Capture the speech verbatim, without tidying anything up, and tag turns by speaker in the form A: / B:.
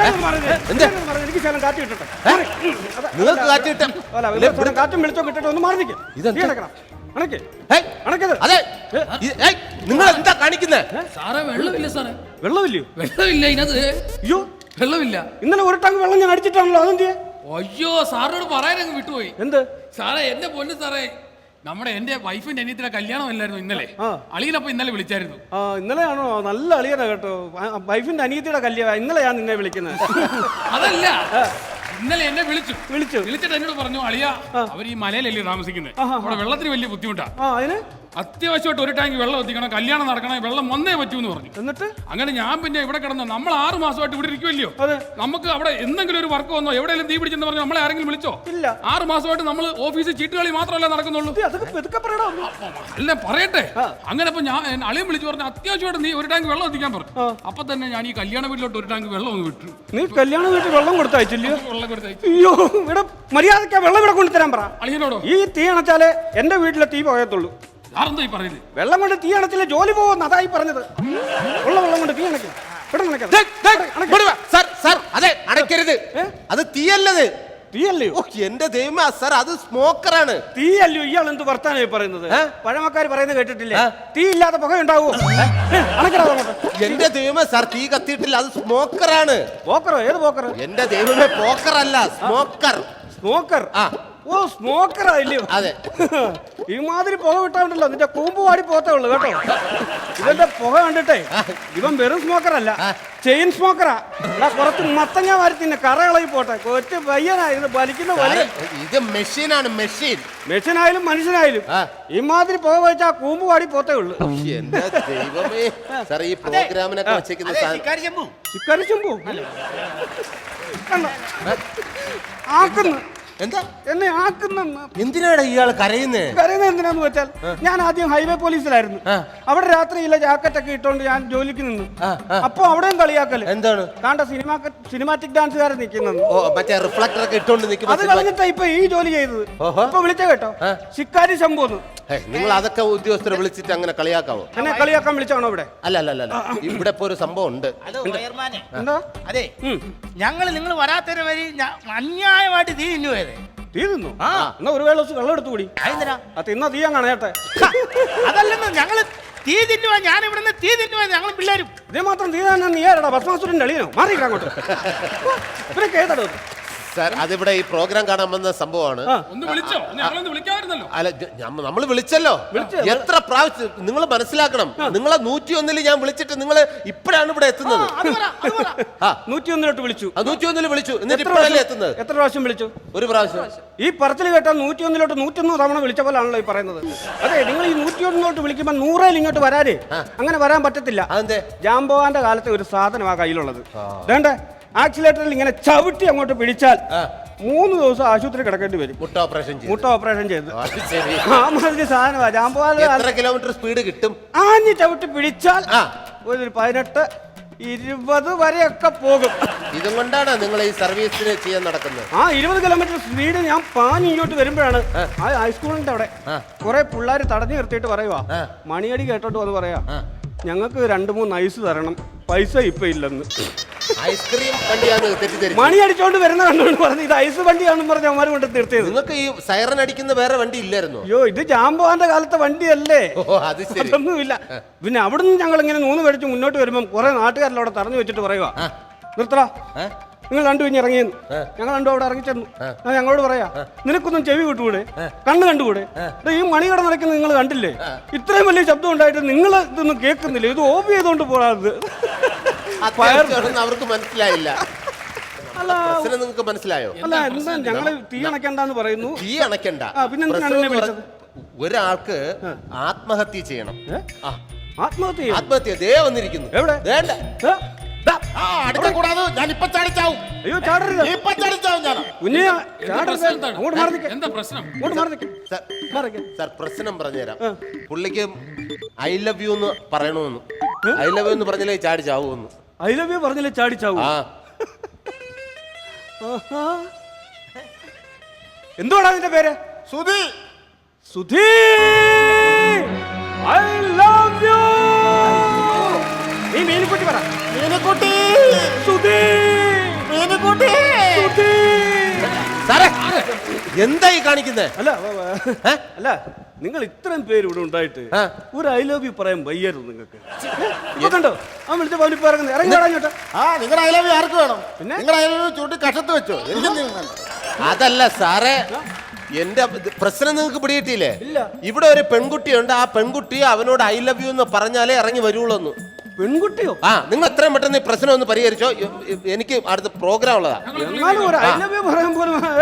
A: എനിക്ക് ശകലം കാറ്റ് കിട്ടട്ടെ.
B: നിങ്ങൾക്ക് കാറ്റ് കിട്ടാം.
A: കാറ്റും വെളിച്ചം കിട്ടട്ടെ. ഒന്ന് മാറി നിൽക്കും.
B: അതെ, നിങ്ങൾ എന്താ കാണിക്കുന്നത്?
C: സാറേ വെള്ളമില്ല സാറേ.
A: വെള്ളമില്ലയോ?
C: വെള്ളമില്ല ഇതിനകത്ത്.
A: അയ്യോ
C: വെള്ളമില്ല.
A: ഇന്നലെ ഒരു ടാങ്ക് വെള്ളം ഞാൻ അടിച്ചിട്ടാണല്ലോ. അതെന്ത്?
C: അയ്യോ സാറിനോട് പറയാനങ്ങ് വിട്ടുപോയി.
A: എന്ത്
C: സാറേ? എന്റെ പൊന്ന് സാറേ, നമ്മുടെ എന്റെ വൈഫിന്റെ അനിയത്തിയുടെ കല്യാണം അല്ലായിരുന്നു ഇന്നലെ. അളിയനപ്പൊ ഇന്നലെ വിളിച്ചായിരുന്നു.
A: ആ ഇന്നലെയാണോ? നല്ല അളിയനാ കേട്ടോ. വൈഫിന്റെ അനിയത്തിയുടെ കല്യാണം ഇന്നലെ ഞാൻ നിന്നെ വിളിക്കുന്നത്.
C: അതല്ല, ഇന്നലെ എന്നെ വിളിച്ചു
A: വിളിച്ചു
C: വിളിച്ചിട്ട് എന്നോട് പറഞ്ഞു, അളിയ അവർ ഈ മലയിലല്ലേ താമസിക്കുന്നത്, അവിടെ വെള്ളത്തിന് വലിയ ബുദ്ധിമുട്ടാ,
A: അതിന്
C: അത്യാവശ്യമായിട്ട് ഒരു ടാങ്ക് വെള്ളം എത്തിക്കണം, കല്യാണം നടക്കണം, വെള്ളം വന്നേ പറ്റൂ എന്ന് പറഞ്ഞു.
A: എന്നിട്ട്
C: അങ്ങനെ ഞാൻ പിന്നെ ഇവിടെ കിടന്നു. നമ്മൾ ആറ് മാസമായിട്ട് ഇവിടെ ഇരിക്കുമല്ലോ, നമുക്ക് അവിടെ എന്തെങ്കിലും ഒരു വർക്ക് വന്നോ, എവിടെയെങ്കിലും തീ പിടിച്ചെന്ന് പറഞ്ഞു നമ്മളെ ആരെങ്കിലും വിളിച്ചോ?
A: ഇല്ല.
C: ആറ് മാസമായിട്ട് നമ്മൾ ഓഫീസിൽ ചീട്ടുകളി മാത്രമല്ല നടക്കുന്നുള്ളൂ. അല്ല പറയട്ടെ. അങ്ങനെ ഇപ്പൊ ഞാൻ അളിയും വിളിച്ചു പറഞ്ഞു, അത്യാവശ്യമായിട്ട് നീ ഒരു ടാങ്ക് വെള്ളം എത്തിക്കാൻ പറഞ്ഞു. അപ്പൊ തന്നെ ഞാൻ ഈ കല്യാണ വീട്ടിലോട്ട് ഒരു ടാങ്ക് വെള്ളം ഒന്ന് വിട്ടു.
A: നീ കല്യാണ വീട്ടിൽ വെള്ളം കൊടുത്തയച്ചില്ലയോ?
C: വെള്ളം കൊടുത്തയച്ചു.
A: അയ്യോ ഇവിടെ മര്യാദയ്ക്ക് വെള്ളം ഇവിടെ കൊണ്ടുതരാൻ പറ
C: അളിയനോടോ.
A: ഈ തീ അണച്ചാലേ എന്റെ വീട്ടിലെ തീ പോകത്തുള്ളൂ.
C: പറയുന്നത്
A: വെള്ളം കൊണ്ട് തീ അണച്ചില്ലേ ജോലി പോകുന്ന, അതായി പറഞ്ഞത്. ഉള്ള വെള്ളം കൊണ്ട് തീ അണയ്ക്കാം.
B: അതെ, അടയ്ക്കരുത്. അത് തീയല്ലത്.
A: തീയല്ലയോ?
B: എന്റെ ദൈവമേ സാർ, അത് സ്മോക്കറാണ്.
A: തീയല്ലയോ? ഇയാൾ എന്ത് വർത്താനായി പറയുന്നത്? പഴമക്കാർ പറയുന്നത് കേട്ടിട്ടില്ലേ? തീ ഇല്ലാത്ത പുക ഉണ്ടാവോ?
B: എന്റെ ദൈവമേ സാർ, തീ കത്തിയിട്ടില്ല, അത് സ്മോക്കറാണ്.
A: പോക്കറോ? ഏത് പോക്കർ?
B: എന്റെ ദൈവമേ, പോക്കർ അല്ല, സ്മോക്കർ.
A: സ്മോക്കർ? ആ ഓ സ്മോക്കറാ ഇല്ലയോ? അതെ. ഈ മാതിരി പുക വിട്ടാണ്ടല്ലോ നിന്റെ കൂമ്പ് വാടി പോത്തേ ഉള്ളു കേട്ടോ. ഇവന്റെ പുക കണ്ടിട്ടേ ഇവൻ വെറും സ്മോക്കർ അല്ല, ചെയിൻ സ്മോക്കറാ. കുറച്ച് മത്തങ്ങ വാരി തിന്നെ കറകളി പോട്ടെ. കൊച്ചു പയ്യനായിരുന്നു വലിക്കുന്ന വലിയ.
B: ഇത് മെഷീനാണ്, മെഷീൻ.
A: മെഷീനായാലും മനുഷ്യനായാലും ഇമാതിരി പുക വെച്ചാ കൂമ്പ് വാടി പോത്തേ ഉള്ളു.
B: എന്റെ ദൈവമേ സാർ, ഈ പ്രോഗ്രാമിനൊക്കെ വെച്ചേക്കുന്ന
A: ചിക്കരി ചെമ്പു ആക്കുന്നു.
B: എന്താ
A: എന്നെ ആക്കുന്ന?
B: എന്തിനാണ് ഇയാൾ കരയുന്നേ?
A: കരയുന്നത് എന്തിനാന്ന് വെച്ചാൽ, ഞാൻ ആദ്യം ഹൈവേ പോലീസിലായിരുന്നു. അവിടെ രാത്രിയില്ല ജാക്കറ്റ് ഒക്കെ ഇട്ടോണ്ട് ഞാൻ ജോലിക്ക് നിന്നു. അപ്പൊ അവിടെയും കളിയാക്കല്.
B: എന്താണ്?
A: കാണ്ട സിനിമ സിനിമാറ്റിക് ഡാൻസുകാരൻ നിൽക്കുന്നത്.
B: മറ്റേ റിഫ്ലക്ടർ ഒക്കെ ഇട്ടോണ്ട് നിൽക്കും.
A: അത് കളഞ്ഞിട്ടാ ഇപ്പൊ ഈ ജോലി ചെയ്തത്. ഇപ്പൊ വിളിച്ച കേട്ടോ, ശിക്കാരി ശംഭുന്ന്.
B: നിങ്ങൾ അതൊക്കെ ഉദ്യോഗസ്ഥരെ വിളിച്ചിട്ട് അങ്ങനെ കളിയാക്കാവോ?
A: എന്നെ കളിയാക്കാൻ വിളിച്ചാണോ ഇവിടെ?
B: അല്ല അല്ല അല്ല, ഇവിടെ ഇപ്പൊ ഒരു സംഭവം ഉണ്ട്.
A: എന്താ?
D: അതെ, ഞങ്ങൾ നിങ്ങൾ വരാത്തതിന് വരി അന്യായമായിട്ട് തീ തിന്നു പോയത്.
A: തീ തിന്നു? എന്നാ ഒരു വേള വെള്ളം എടുത്തു കൂടി. അത് തിന്നാ തീയാൻ കാണേട്ടെ.
D: അതല്ലെന്ന്, ഞങ്ങള് തീ തിന്നുവാ. ഞാൻ ഇവിടുന്ന് തീ തിന്നുവാ, ഞങ്ങൾ പിള്ളേരും.
A: ഇതേ മാത്രം തീ തന്നെ നീ ആരടാ? ഭസ്മാസുരന്റെ അളിയനോ? മാറിയിട്ടാ അങ്ങോട്ട്. ഇവരൊക്കെ ഏതാടോ?
B: സാർ, അതിവിടെ ഈ പ്രോഗ്രാം കാണാൻ വന്ന സംഭവമാണ്. അല്ല, നമ്മൾ വിളിച്ചല്ലോ. എത്ര പ്രാവശ്യം നിങ്ങൾ മനസ്സിലാക്കണം. നിങ്ങളെ നൂറ്റി ഒന്നില് ഞാൻ വിളിച്ചിട്ട് നിങ്ങൾ ഇപ്പോഴാണ് ഇവിടെ എത്തുന്നത്.
A: നൂറ്റി ഒന്നിലോട്ട് വിളിച്ചു.
B: നൂറ്റി ഒന്നില് വിളിച്ചു, എന്നിട്ട് ഇപ്പോഴല്ലേ എത്തുന്നത്?
A: എത്ര പ്രാവശ്യം വിളിച്ചു?
B: ഒരു പ്രാവശ്യം.
A: ഈ പറച്ചിൽ കേട്ടാൽ നൂറ്റി ഒന്നിലോട്ട് നൂറ്റൊന്ന് തവണ വിളിച്ച പോലാണല്ലോ ഈ പറയുന്നത്. അതെ, നിങ്ങൾ ഈ നൂറ്റി ഒന്നിലോട്ട് വിളിക്കുമ്പോൾ നൂറേൽ ഇങ്ങോട്ട് വരാനേ അങ്ങനെ വരാൻ പറ്റത്തില്ല.
B: അതെന്തേ?
A: ജാംബോവാന്റെ കാലത്തെ ഒരു സാധനമാണ് കയ്യിലുള്ളത്. വേണ്ടേ? ആക്സിലേറ്ററിൽ ഇങ്ങനെ ചവിട്ടി അങ്ങോട്ട് പിടിച്ചാൽ മൂന്ന് ദിവസം ആശുപത്രി കിടക്കേണ്ടി വരും. മുട്ട ഓപ്പറേഷൻ മുട്ട ഓപ്പറേഷൻ ചെയ്ത് ആ മാതിരി സാധനമാ ജാംബോവാന്റെ.
B: കിലോമീറ്റർ സ്പീഡ് കിട്ടും.
A: ആഞ്ഞ് ചവിട്ടി പിടിച്ചാൽ ഒരു പതിനെട്ട് ഇരുപത് വരെയൊക്കെ പോകും.
B: ഇതും കൊണ്ടാണ് നിങ്ങൾ ഈ സർവീസിന് ചെയ്യാൻ നടക്കുന്നത്.
A: ആ ഇരുപത് കിലോമീറ്റർ സ്പീഡ് ഞാൻ പാഞ്ഞ് ഇങ്ങോട്ട് വരുമ്പോഴാണ് ആ ഹൈസ്കൂളിന്റെ അവിടെ കുറെ പിള്ളേർ തടഞ്ഞു നിർത്തിയിട്ട് പറയുവാ, മണിയടി കേട്ടോട്ട് വന്ന് പറയാ, ഞങ്ങൾക്ക് രണ്ടു മൂന്ന് ഐസ് തരണം, പൈസ ഇപ്പൊ ഇല്ലെന്ന്.
B: ഐസ്ക്രീം വണ്ടിയാണ് തെറ്റിദ്ധരിച്ചത്.
A: മണി അടിച്ചോണ്ട് വരുന്ന കണ്ടോണ്ട് പറഞ്ഞു ഇത് ഐസ് വണ്ടിയാണെന്ന് പറഞ്ഞ അവന്മാർ കൊണ്ട് നിർത്തിയത്.
B: നിങ്ങൾക്ക് ഈ സൈറൻ അടിക്കുന്ന വേറെ വണ്ടി ഇല്ലായിരുന്നു?
A: അയ്യോ, ഇത് ജാംബോവാന്റെ കാലത്തെ വണ്ടിയല്ലേ. അതൊന്നുമില്ല. പിന്നെ അവിടുന്ന് ഞങ്ങൾ ഇങ്ങനെ നൂന്ന് മേടിച്ച് മുന്നോട്ട് വരുമ്പോൾ കുറെ നാട്ടുകാരിലവിടെ തറഞ്ഞു വെച്ചിട്ട് പറയുക, നിർത്തടാ, നിങ്ങൾ രണ്ടു കഴിഞ്ഞ് ഇറങ്ങിയെന്ന്. ഞങ്ങൾ രണ്ടും അവിടെ ഇറങ്ങിച്ചെന്നു. ഞാൻ ഞങ്ങളോട് പറയാ, നിനക്കൊന്നും ചെവി വിട്ടുകൂടെ, കണ്ണ് കണ്ടുകൂടെ? ഈ മണികട നടക്കുന്നത് നിങ്ങൾ കണ്ടില്ലേ? ഇത്രയും വലിയ ശബ്ദം ഉണ്ടായിട്ട് നിങ്ങൾ ഇതൊന്നും കേൾക്കുന്നില്ല. ഇത് ഓഫ് ചെയ്തോണ്ട് പോകാത്.
B: അവർക്ക് മനസ്സിലായില്ല. നിങ്ങൾക്ക് മനസ്സിലായോ?
A: അല്ല, എന്താ ഞങ്ങള് തീ അണക്കണ്ടെന്ന് പറയുന്നു.
B: തീ അണക്കണ്ട.
A: പിന്നെന്തിനാണ് വിളിച്ചത്?
B: ഒരാൾക്ക് ആത്മഹത്യ ചെയ്യണം.
A: ആത്മഹത്യ?
B: ആത്മഹത്യ ദേ വന്നിരിക്കുന്നു.
A: എവിടെ?
B: വേണ്ട, ഞാൻ ഇപ്പൊ ചാടിച്ചാവും.
A: അയ്യോ, ചാടരുത്.
B: ഇപ്പൊ ചാടിച്ചാവും ഞാൻ.
A: അങ്ങോട്ട് മാറി നിൽക്കാം.
C: എന്താ പ്രശ്നം?
A: അങ്ങോട്ട് മാറി നിൽക്കാം.
B: സാർ, പ്രശ്നം പറഞ്ഞുതരാം. പുള്ളിക്ക് ഐ ലവ് യു എന്ന് പറയണമെന്ന്. ഐ ലവ് യു എന്ന് പറഞ്ഞാലേ ചാടി ചാവുമെന്ന്.
A: ഐ ലവ് യു പറഞ്ഞാലേ ചാടി ചാവൂ? എന്തുവാണ് അതിന്റെ പേര്?
B: Sudhi.
A: Sudhi, I love you. നീ മീനുക്കുട്ടി പറ.
B: മീനുക്കുട്ടി.
A: സുധി.
D: മീനുകൂട്ടി
B: സാറേ എന്തായി കാണിക്കുന്നേ?
A: അല്ല വ- വ- അല്ല നിങ്ങൾ ഇത്രയും പേര് ഇവിടെ ഉണ്ടായിട്ട്
B: ആ.
A: ഒരു ഐ ലവ് യു പറയാൻ വയ്യായിരുന്നു നിങ്ങൾക്ക്. ഇപ്പൊ കണ്ടോ അവൻ വിളിച്ച പോലെ ഇപ്പൊ ഇറങ്ങുന്നത് ഇറങ്ങി വേടാഞ്ഞോട്ടെ.
E: ആ നിങ്ങളുടെ അയലവി ആർക്ക് വേണം?
A: പിന്നെ?
E: നിങ്ങളുടെ അയലവി ചൂട്ടി കഷത്ത് വെച്ചോ? എനിക്കെന്തെങ്കിലും വേണ്ട.
B: അതല്ല സാറേ, എന്റെ ഇത് പ്രശ്നം നിങ്ങൾക്ക് പിടികിട്ടിയില്ലേ?
A: ഇല്ല.
B: ഇവിടെ ഒരു പെൺകുട്ടിയുണ്ട്. ആ പെൺകുട്ടി അവനോട് ഐ ലവ് യു എന്ന് പറഞ്ഞാലേ ഇറങ്ങി വരുള്ളൂ എന്ന്.
A: പെൺകുട്ടിയോ?
B: ആ നിങ്ങൾ എത്രയും പെട്ടെന്ന് ഈ പ്രശ്നം ഒന്ന് പരിഹരിച്ചോ. എ- എ- എനിക്ക് അടുത്ത പ്രോഗ്രാം ഉള്ളതാ.
A: എന്നാലും ഒരു ഐ ലവ് യു പറയാൻ പോലും